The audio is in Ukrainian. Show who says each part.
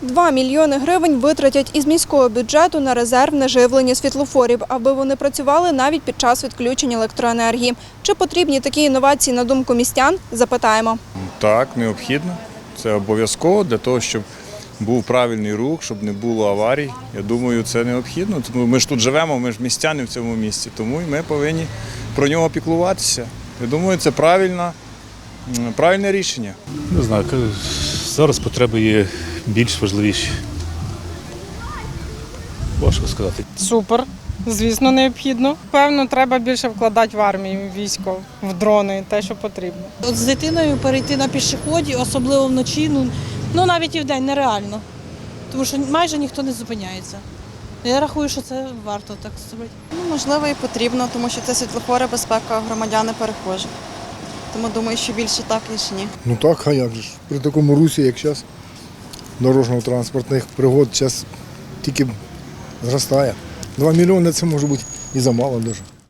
Speaker 1: 2 мільйони гривень витратять із міського бюджету на резервне живлення світлофорів, аби вони працювали навіть під час відключення електроенергії. Чи потрібні такі інновації, на думку містян, запитаємо.
Speaker 2: Так, необхідно. Це обов'язково для того, щоб був правильний рух, щоб не було аварій. Я думаю, це необхідно. Тому ми ж тут живемо, ми ж містяни в цьому місті, тому і ми повинні про нього піклуватися. Я думаю, це правильне рішення.
Speaker 3: Не знаю, зараз потреби є більш важливіші. Важко сказати.
Speaker 4: Супер, звісно, необхідно. Певно, треба більше вкладати в армію, в військо, в дрони, те, що потрібно.
Speaker 5: От з дитиною перейти на пішоході, особливо вночі, ну навіть і вдень нереально, тому що майже ніхто не зупиняється. Я рахую, що це варто так зробити.
Speaker 6: Можливо, і потрібно, тому що це світлофори, безпека громадян і перехожих. Тому думаю, що більше так, ніж ні.
Speaker 7: Ну так, а як же ж. При такому русі, як зараз, дорожньо-транспортних пригод зараз тільки зростає. 2 мільйони – це може бути і замало дуже.